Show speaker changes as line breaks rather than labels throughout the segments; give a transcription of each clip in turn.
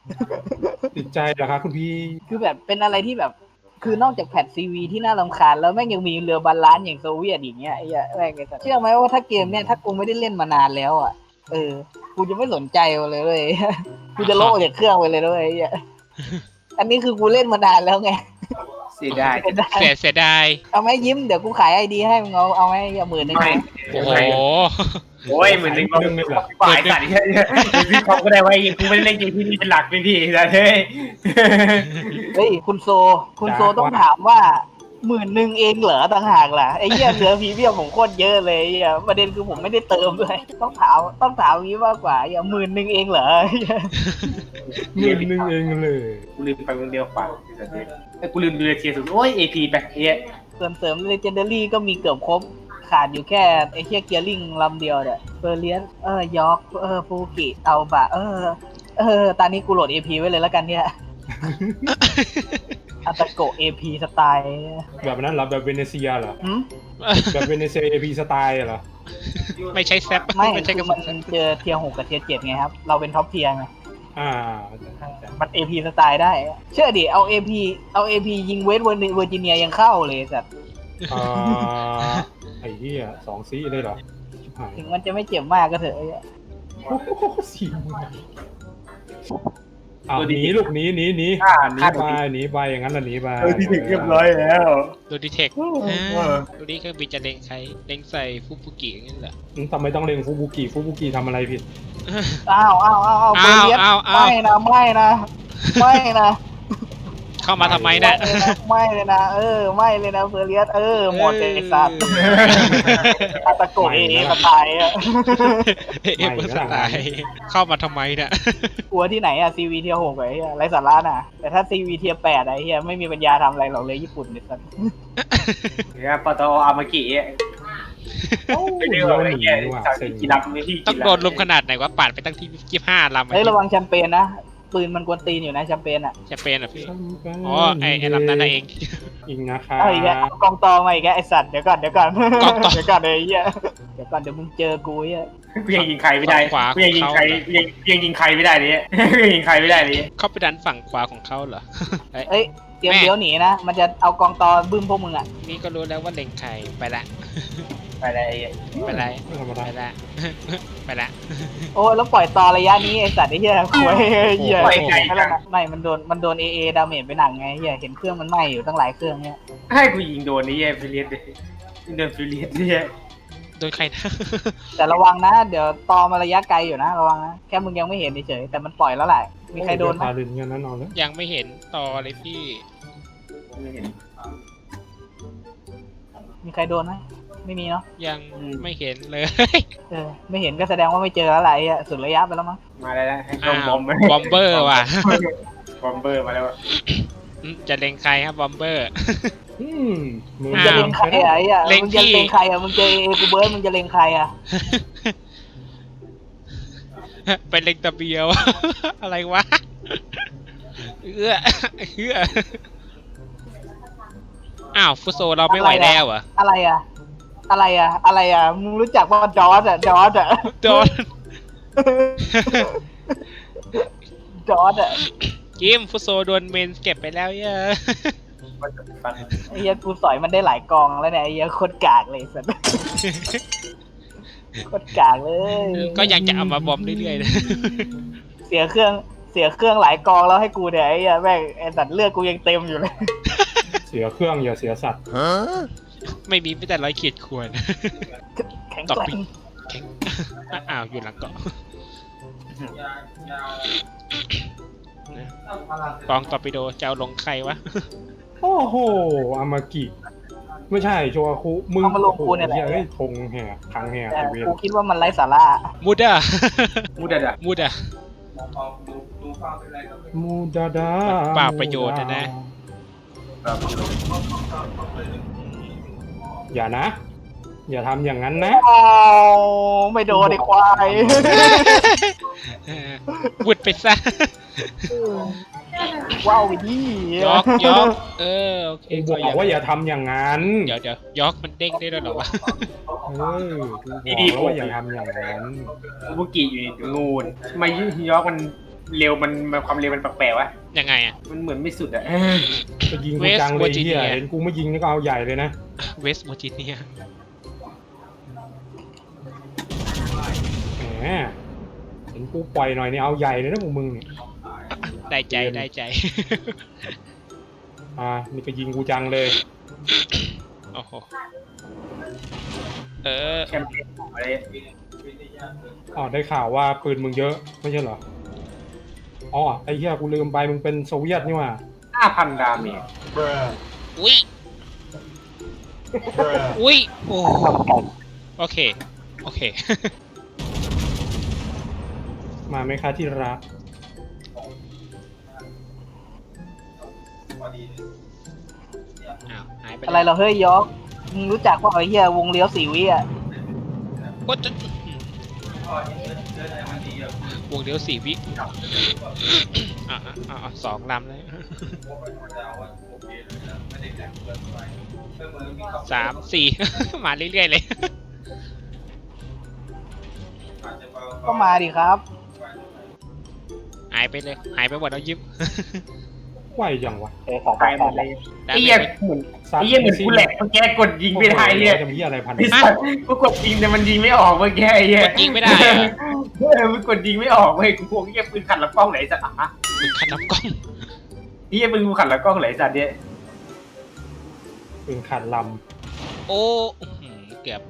ติดใจเหรอครับคุณพี่
คือแบบเป็นอะไรที่แบบคือนอกจากแพทซีวีที่น่ารำคาญแล้วแม่งยังมีเรือบาลานซ์อย่างโซเวียตอย่างเงี้ยไอ้แม่งเชื่อไหมว่าถ้าเกมเนี้ยถ้ากูไม่ได้เล่นมานานแล้วอ่ะกูจะไม่สนใจเลยเว้ยกูจะโลกจากเครื่องไปเลยด้วยอันนี้คือกูเล่นมานานแล้วไง
เสียดาย
เสียดาย
เอาไหมยิ้มเดี๋ยวกูขายไอดีให้มึงเอาไหมอย่า10,000นึง
ไม่
โอ้โห
โอ้ยเหมือนนึงเราฝ่ายสัตว์ที่พี่เขาก็ได้ไว้กูไม่ได้เล่นเกมที่นี่เป็นหลักเป็นพี่แต่เฮ้ย
คุณโซต้องถามว่า10,000เองเหรอต่างหากล่ะไอ้เหี้ยเหลือพรีเมียมผมโคตรเยอะเลยประเด็นคือผมไม่ได้เติมด้วยต้องถามนี้มากกว่า10,000เองเหรอ
10,000เองเลย
กูลืมไปคนเดียวฝ่ายไอ้กูลืมดูเทียร์สุดโอ้ย AP ไปเฮ้ย
เสริมเลเจนดารี่ก็มีเกือบครบขาดอยู่แค่ไอ้เหี้ยเกียร์ลิงลำเดียวเนี่ยเฟอร์เลียนยอร์กฟูกิเอาบะตอนนี้กูโหลด AP ไว้เลยแล้วกันเนี่ยอัตโกะ AP สไตล์
แบบนั้นเหรอแบบเวเนเซียเหรอ แบบเวเนเซีย AP สไตล์เหรอ
ไม่ใช่แซป
ไม่
ใช่
คื
กระ
อ
สุ
มัน นเจอเทียร์6กับเทียร์7ไงครับเราเป็นท็อปเทียร์ไง มัน AP สไตล์ได้เชื่อดิเอา AP ยิงเวสเวอร์จิเนียยังเข้าเลยสัตว์
ไอ้เหี้ย2 ซีเลยเหรอชิบหาย
ถึงมันจะไม่เจ็บมากก็เถอะ
โอ้โห4 หนีลูกหนีไปอย่างนั้นละหนีไป
ที่ถึงเรียบร้อยแล้ว
ดูดีเทคดูดีเครื่องบินจะเล็งใครเล็งใส่ฟุบุกิอย่างนี้เหรอ
ทำไมต้องเล็งฟูบุกิทำอะไรผิด
อ้าวเบเลียสไม่นะ
เข้ามาทำไมเนี่ย
ไม่เลยนะไม่เลยนะเบเลียสหมดเลยสัตว์อาตะโกเอสไตล์
สไตล์เข้ามาทำไมเนี่ย
กลัวที่ไหนอะซีวีเทียร์6ไอ้เหี้ยไรสาระน่ะแต่ถ้าซีวีเทียร์8ไอ้เหี้ยไม่มีปัญญาทำอะไรหรอกเลยญี่ปุ่นเนี่ยสัตว์
เนี่ยปตออามากิไปเรื่อยๆกีฬาไม่ที่
ต้องโดนลุมขนาดไหนวะปาดไปตั้งที่25 ลำ
ระวังแชมเปญนะปืนมันกวนตีนอยู่นะแชมเปญอ่ะ
แชมเปญอ่ะพี่อ๋อไอ้ลำนั้นเอง
อีกนะคะ
อีกแล้วกองตองมาอีกแล้วไอสัตว์เดี๋ยวก่อนไอ้เหี้ยเดี๋ยวมึงเจอกูเหี้ย
กูยังยิงใครไม่ได้กูยังยิงใครไม่ได้เลยยิงใครไม่ได้เลย
เข้าไปดันฝั่งขวาของเขาเหรอ
เตรียมเดี๋ยวหนีนะมันจะเอากองตอบึ้มพวกมึงอ่ะ
นี่ก็รู้แล้วว่าเล็งใครไปละ
โอ้แล้วปล่อยต่อระยะนี้ไอสัตว์ไอ้เหี้ยคุยเหี้ยไม่มันโดนดาเมจไปหนักไงเหี้ยเห็นเครื่องมันไหม้อยู่ตั้งหลายเครื่องเนี่ย
ให้กูยิงโดนนี่ฟิลิสโดนฟิลิสเนี่ย
โดนใครนะ
แต่ระวังนะเดี๋ยวตอมาระยะไกลอยู่นะระวังนะแค่มึงยังไม่เห็นเฉยแต่มันปล่อยแล้วแหละมีใครโดนไหม
ยังไม่เห็นต่อเลยพี่
มีใครโดนไหมไม่มีเนาะ
ยังไม่เห็นเลย
ไม่เห็นก็แสดงว่าไม่เจออะไรสุดระยะไปแล้วมั้ง
มาแล้ว
บอมเบอร์ว่ะ
บอมเบอร์มาแล้ว
จะเล็งใครครับบอมเบอร์
มึงจะเล็งใครมึงจะเล็งใครมึงเจอกูเบิร์ดมึงจะเล็งใคร
ไปเล็งตะเบียวอะไรวะอ้าวฟุโซเราไม่ไหวแล้วเหรอ
อะไรมึงรู้จักว่าจอร์ด
กิมฟุโซโดนเมนเก็บไปแล้วเยอะ
ไอ้เหี้ยกูสอยมันได้หลายกองแล้วเนี่ยไอ้เหี้ยโคตรกากเลยสัสโคตรกากเลย
ก็ยังจะเอามาบอมเรื่อยๆนะ
เสียเครื่องหลายกองแล้วให้กูเนี่ยไอ้เหี้ยแม่งไอ้สัตว์เลือดกูยังเต็มอยู่เลย
เสียเครื่องอย่าเสียสัตว์
ไม่มีแต่ร้อยขีดควร
แข็งแกร่ง
อ้าวอยู่หลังเกาะกองตอร์ปิโดจะเอาลงใครวะ
โอ้โหอามากิไม่ใช่โชอาคุมึง
มาลงกูเนี่ยแหละ
ธงแห่ทางแห่
กูคิดว่ามันไร้สาระ
มูดาเปล่าประโยชน์นะ
อย่าทำอย่างนั้นนะ
ไม่โดนไอ้ควาย
วุดไปซะ
ว้าวดิ
ยอกโอเค
บอกว่าอย่าทำอย่างนั้น
เดี๋ยวยอกมันเด้งได้ด้วยหรอวะ
ดีว่าอย่าทำอย่างนั้น
บุกิอยู่งูนทำไมยอกมันเร็วมันความเร็วมันแปลกๆวะ
ยังไงอะ
มันเหมือนไม่สุดอะ
จะยิงกูจังเลยเฮียเห็นกูไม่ยิงนี่ก็เอาใหญ่เลยนะ
เวสต์เวอร์จิเนีย
แหมเห็นกูปล่อยหน่อยนี่เอาใหญ่เลยนะพวกมึงเนี่ย
ได้ใจได้ใจ
นี่ก็ยิงกูจังเลย
โอ้โห
แชมเปี้ยนอะไร
ได้ข่าวว่าปืนมึงเยอะไม่ใช่เหรอไอ้เหี้ยกูลืมไปมึงเป็นโซเวียตนี่หว่า
5,000 ดาเมจ
อุ้ยอุ้ยโอ้โอเคโอเค
มาไหมคะที่รัก
อ้าวหายไป
อะไรเราเฮ้ยยอกมึงรู้จักว่าไอ้เหี้ยวงเลี้ยว4 วิอ่ะ
ก็จะวงเดียว4 วิ2 ลำเลย 3 4 มาเรื่อยๆเลย
ก็มาดิครับ
หายไปเลยหายไปหมดแล้วยิ้ม
ไหวจังวะ
ตายหมดเลยไอ้เหี้ยเหมือนกูแหลกเมื่อกี้กดยิงไม่ได้เนี่ย
จะมีอะไรพัน
ไอ้สัตว์กูกดยิงแต่มันยิงไม่ออกเมื่อกี้ไอ้เหี้ย
กดยิงไม่ได้อะ
มันกดยิงไม่ออกเว้ยกูพวกเหี้ยปืนขัดลำกล้องไหนสัตว์อ่ะ
มึงขัดลำกล้อง
เหี้ยปืนกูขัดลำกล้องไหนสัตว์เนี่ย
ปืนขาดล
โอ้เกือบ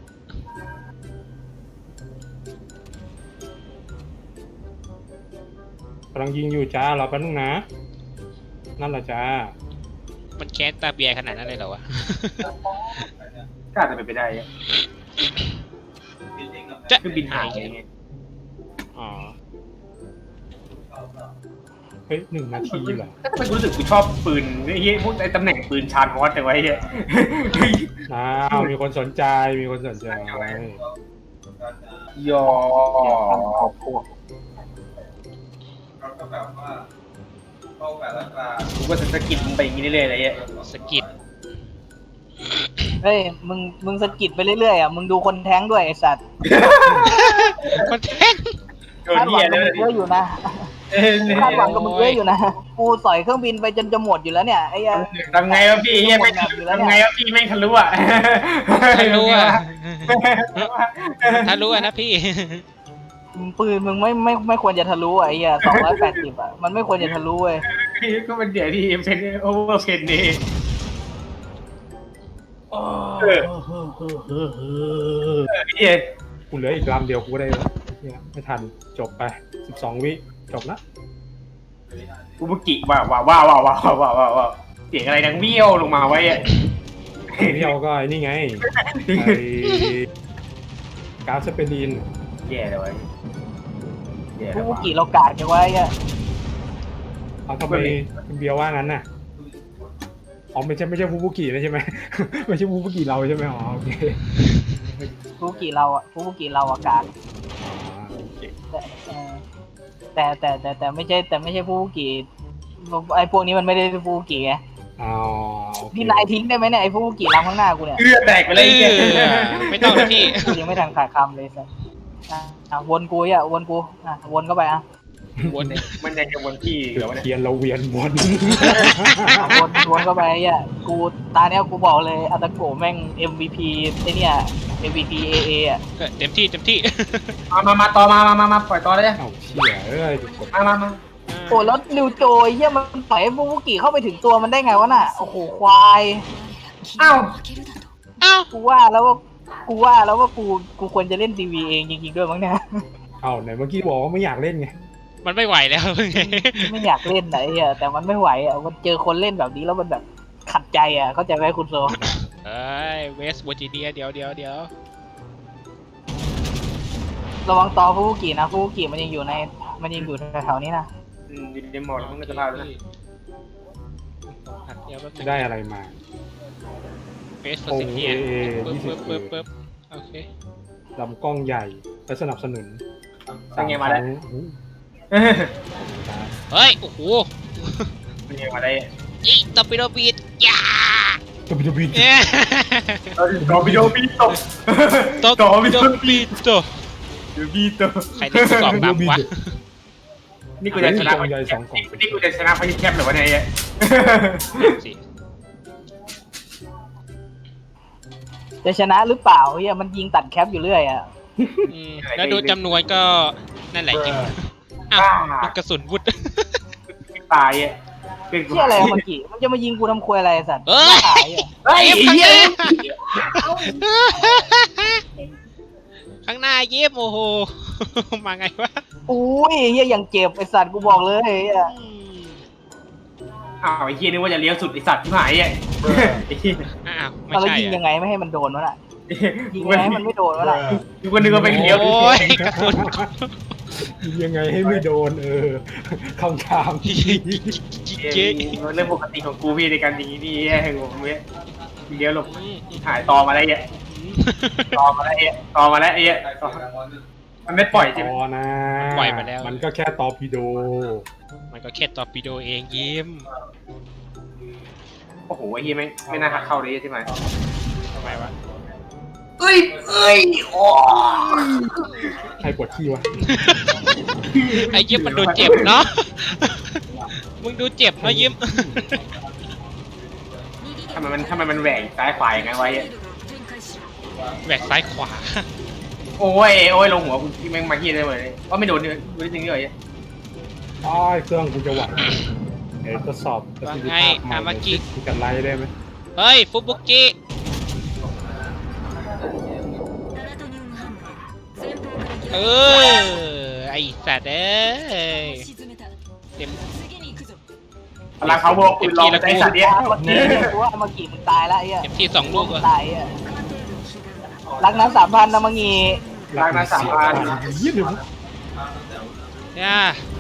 ำกำลังยิงอยู่จ้ารอแป๊บนึงนะนั่นแหละจ้า
มันแค้นตาเบียร์ขนาดนั้นเลยเหรอวะ
ก็อาจจะเป็นไปได้อะ
จะ
คือบินหายไง
อ๋อ
เฮ้ย1 นาทีเหรอ
ก็ทำไมกูรู้สึกกูชอบปืนไอ้เหี้ยพวกไอ้ตำแหน่งปืนชาร์จฮอตแต่ไว้เหี้ย
มีคนสนใจมีคนสนใจ
ยอ
ขอบพวก
กูก็จะสกิดมึงไปอย่างนี้เรื่อยๆอะไรเงี้ย
สกิด
เฮ้ยมึงสะกิดไปเรื่อยๆอ่ะมึงดูคนแท้งด้วยไอ้สัตว์
คนแท้ง
โดน
คาดหวั
เหี้ย
ง
เล
กับมึงเยอะ
ย
อยู่นะคาดหวังกับมึงเยอะอยู่นะกูสอยเครื่องบินไปจนจะหมดอยู่แล้วเนี่ยไอ้ยั
ทำไงวะพี่เหี้ยไม่ทำไงวะพี่ไม่ทะลุอ่ะ
ทะลุอ่ะทะลุอ่ะนะพี่
ปืนมึงไม่ควรจะทะลุอ่ะไอ้เหี้ย280อ่ะมันไม่ควรจะทะลุเว้ย
ก็มันเดี๋ยวที่เป็นโอเวอร์เพนนี่เหี้ย
กูเหลืออีกลำเดียวกูก็ได้เนี่ยไม่ทันจบไป12 วิจบละ
อุบุกิว้าวเสียงอะไรดังเบี้ยวลงมาไว้อะ
เที่ยวก็ไอ้นี่ไงก๊าซสเปรีน
แย่เลยแย่
พว
แล้ว
กกี่เรากาดกันไว้อ่ะ
เอาทำไมเบียร์ว่างั้นน่ะไม่ใช่ฟูบุกินะใช่ไหม ไม่ใช่ฟูบุกิเราใช่ไหมโอเค
พวกกี่เราอ่ะกาด
โอเค
แต่ไม่ใช่พวกกี่ไอ้พวกนี้มันไม่ได้พวกกี่ไง
โอเค
พี่นายทิ้งได้ไหมเนี่ยไอ้พวกกี่ลำข้างหน้ากูเนี่ย
เลือดแตกไปเลยไอ้เหี้ย
ไม่ต้องนะพี่
กูยังไม่ทันขาดคำเลยสัสวนกูวนเข้าไปอ่ะ
วน
มันยังจะวนที่
จุ
เดี๋ยว
ด
นะ
เทียนเราเวียนวน
วนเข้าไปอ่ะกูตาเนี้ยกูบอกเลยอาตาโกแม่ง MVP ไอ้เนี่ย MVP AA อ่ะ
เต็มที่
มาต่อมาปล่อยต่อเลย
เอ้าเชี่ยกด
มา
โอ้แล้วนิวโจยเฮียมันปล่อยให้พวกกี่เข้าไปถึงตัวมันได้ไงวะน่ะโอ้โหควาย
อ้าว
อ้าว
กูว่าแล้วว่ากูควรจะเล่น TV เองจริงๆด้วยมั้งเนี่ย
ไหนเมื่อกี้บอกว่าไม่อยากเล่นไง
มันไม่ไหวแล้วไง
ไม่อยากเล่นไหนอ่ะแต่มันไม่ไหวอ่ะมันเจอคนเล่นแบบนี้แล้วมันแบบขัดใจอ่ะเข้าใจไหมคุณโซ
เอ้ยเวสต์เวอร์จิเนียเดี๋ยว
ระวังต่อฟูกินะฟูกิมันยังอยู่แถวๆนี้นะ
ดินหมดมันก็จะพาแล้วนะ
ได้อะไรมา
เวสต์เวอร์จิเนียปึ๊บโอเค
ลำกล้องใหญ่และสนับสนุน
เป็นไงมาแล้ว
เฮ้ยโอ้โห
เป็นไงมาได้
อีตอปิโดบีดย่า
จะไปดูบิน
ต่อวิดีโอบีตก
ต่อปิโดบีดต่อ
บีตก
ใครที่สอบนำวะ
นี่กูจะชนะ
กล่องใหญ่2 กล่อง
นี่กูจะชนะพายุแคบหรือวะเนี่ย
สิ
จะชนะหรือเปล่าเฮียมันยิงตัดแคปอยู่เรื่อยอ่ะ
แล้วดูจำนวนก็นั่นแหละจริงอ้าวลูกกระสุนวุด
ตายอ่ะ
เชี่ยอะไรอะมันกี่มันจะมายิงกูทำควยอะไรสัตว์
เอ้ย
ขายอ่ะ
เฮ้ย
ข้างห
เหี้ย
น้าข้างหน้าเย็บโอ้โหมาไงวะ
อุ้ยเฮียอย่างเจ็บไอสัตว์กูบอกเลยเฮีย
อ้าวไอ้เหี้ยนึกว่าจะเลี้ยวสุดไอ้สัตว์ที่หายอ่ะไอ้เหี้ย
อ้าวไม่
แล้ว
ใช่
ยิงยังไงไม่ให้มันโดนวะน่ะยิง
กู
ยังไงให้มันไม่โดนวะน่ะ
ก็นึกว่าเป็นเลี้ยว
โอ้ยกระสุน
ยังไงให้ไม่โดนคำถามที่
เจ๊
เรื่องปกติของกูพี่ในการยิงนี่ผมเนี่ยเลี้ยวหลบหายต่อมาได้เนี่ยต่อมาได้เนี่ยต่อมาแล้วไอ้เนี่ยมันไม่ปล่อยใช่ไหม
ต่อนะ
ปล่อยไปแล้ว
มันก็แค่ตอร์ปิโด
มันก็แค่ตอร์ปิโดเองยิ้ม
โอ้โหไอ้เหี้ยไม่น่าหักเข้าเลยใช่ไหม
ทำไมวะ
เอ้ยโอ้
ใครปวดขี้วะ
ไอ้ยิ้มมันดูเจ็บเนาะมึงดูเจ็บเนาะยิ้ม
ทำไมมันแหว่งซ้ายขวาอย่างงั้นไว้
แหวกซ้ายขวา
โอ้ยลงหัวคุณที่แม่งมาเฮียได้เลยว่าไม่โดนเลยดูจริงๆเลย
อ้ายเครื่องกูจะไหวทดสอบประสิทธิภาพใหม่กูจะไล่ได้ไหม
เฮ้ยฟุบุกิเออไอสัตว์เอ้ยเต็ม
พลังเขาบอกคุณลองใจสัตว์เนี้ย
เมื่อกี้กูว่าเมื่อกี้มึงตายแล้วไอ้เฮีย
เต็มที่2 ลูก
มึ
อะ
งตายอ่ะรักนั้น3,000นะมังงี
รักนะ3,000
ยี่หนึ่ง
เนี่ย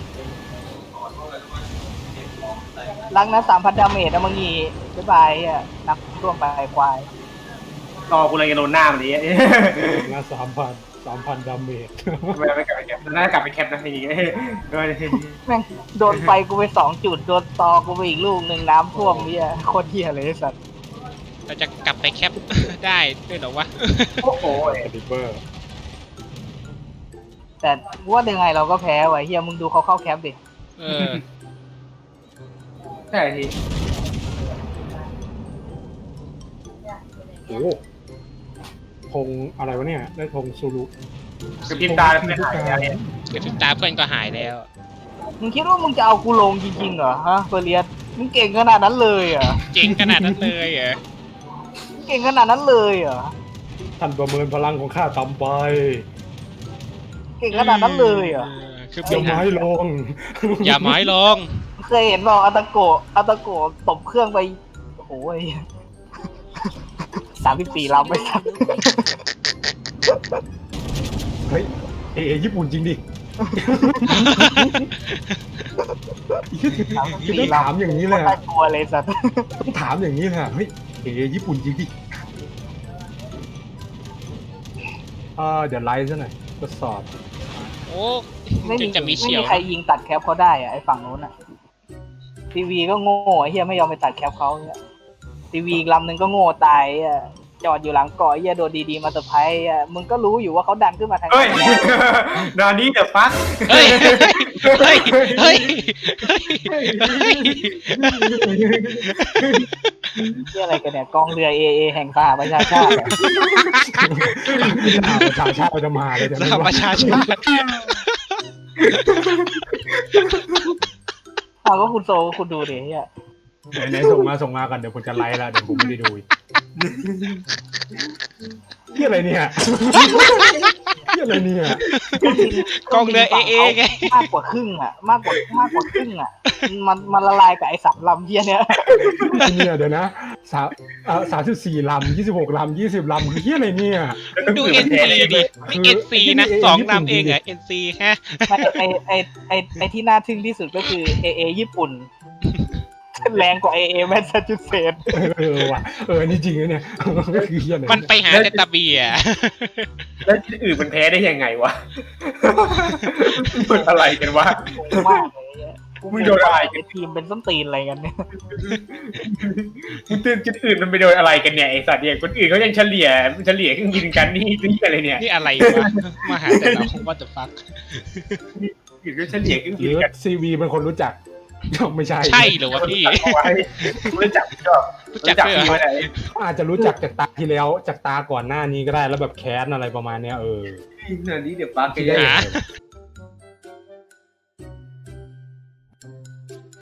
รักนั้น3,000 ดาเมจนะมังงีบ๊ายบายอ่ะนับร่วมไปควาย
รอกูเลยจะโดนหน้ามันนี้
นะ3,000 ดาเมจ
ไม่กลับไปแคปน่าจะกลับไปแคปนะทีนี้
แม่งโดนไฟกูไป2 จุดโดนตอกูไปอีกลูกหนึ่งน้ำท่วมเฮียโคตรเฮียเลยไอ้สัตว์
เราจะกลับไปแคป ได้ด้วยเหรอวะ
โอ้โห
สติปเปอร์
แต่ว่ายังไงเราก็แพ้ว่ะเฮียมึงดูเขาเข้าแคปดิ
เออ
ใช่ที
โอ้ธงอะไรวะเนี่ยได้ธงซูรุ
คือพิมพ์ตาไม่หายแล้วเนี่ย
กระพริบตาเพื่อนก็หายแล้ว
มึงคิดว่ามึงจะเอากูลงจริงๆเหรอฮะเฟอร์เรียสมึงเก่งขนาดนั้นเลยเหรอ
เจ๋งขนาดนั้นเลยเหรอ
มึงเก่งขนาดนั้นเลยเหรอ
ท่านประเมินพลังของข้าต่ำไป
เก่งขนาดนั้นเลยเหรอ
คือ
อย่าไม้ลง
อย่าไม้ลง
เคยเห็นบอกอัตโกะตบเครื่องไปโอ้โห34 ลำไปสัก
เฮ้ยญี่ปุ่นจริงดิคือต้องถามอย่างนี้เลย
น่ากลัวเลยสัตว์
ต้องถามอย่างนี้เลยเฮ้ยญี่ปุ่นจริงดิเดี๋ยวไลฟ์ซะหน่อยทดสอบ
โอ้
ไม่มี
จะมีเฉียว
ใครยิงตัดแคปเขาได้อะไอ้ฝั่งนู้นอะทีวีก็โง่ไอ้เฮียไม่ยอมไปตัดแคปเขาเนี่ยทีวีอีกลำหนึ่งก็โง่ตายอ่ะจอดอยู่หลังเกาะไอ้เฮียโดนดีๆมาเซอร์ไพรส์อ่ะมึงก็รู้อยู่ว่าเขาดันขึ้นมาทาง
เฮ้ยนอนนี้เดี๋ยวฟัก
เฮ้ยเฮ้ยเฮ้ยเฮ้ย
เฮียอะไรกันเนี่ยกองเรือเอแห่งสหประชาชาติอะ
ประชาชาติจะมาเลย
สหประชาชาติ
เอาก็คุณโซคุณดูดิเฮีย
ไหนส่งมากันเดี๋ยวผมจะไลฟ์แล้วเดี๋ยวผมไม่ได้ดูที่อะไรเนี่ยที่อะไรเนี่ย
กองเรือเอไง
มากกว่าครึ่งอ่ะมากกว่าครึ่งอ่ะมันละลายกับไอ้3 ลำเฮียเนี่ย
เนี่ยเดี๋ยวนะ34 ลำ 26 ลำ 20 ลำคือที่อะไรเนี่ย
ดู NC ดินี่ NC นะ2 ลำเองเหรอ NC ฮะ
ไอที่น่าทึ่งที่สุดก็คือเอญี่ปุ่นแรงกว่าเอแมสซาชูเซตส์
ว่ะนี่จริงเนี่ยก็คือที่อะไร
มันไปหาแต่ตะเบีย
แล้วที่อื่นมันแพ้ได้ยังไงวะมันอะไรกันวะ
งงมากเลย
มึงโดนอะไรกัน
ทีมเป็นส้นตีนอะไรกันเนี่ย
มึงตื่นจุดอื่นมันไปโดนอะไรกันเนี่ยไอสัตว์เนี่ยคนอื่นเขายังเฉลี่ยเครื่องยิงกันนี่อะไรเนี่ย
นี่อะไรวะมาหาแต่เรา what the fuck
อยู่ด้วยเฉลี่ยขึ้น
หรือซีวีเป็นคนรู้จักไม่ใช่
ใช่เหรอวะพี่
รู้จักก็
รู้จักด้วยเหร
พี่
อ
ไว้ไหน
เขาอาจจะรู้จักจากตาที่แล้วจากตาก่อนหน้านี้ก็ได้แล้วแบบแค้นอะไรประมาณเนี้ย
เดี๋ยวนี้เดี๋ยวปาร์ก
ที่
ได้
ได้
หา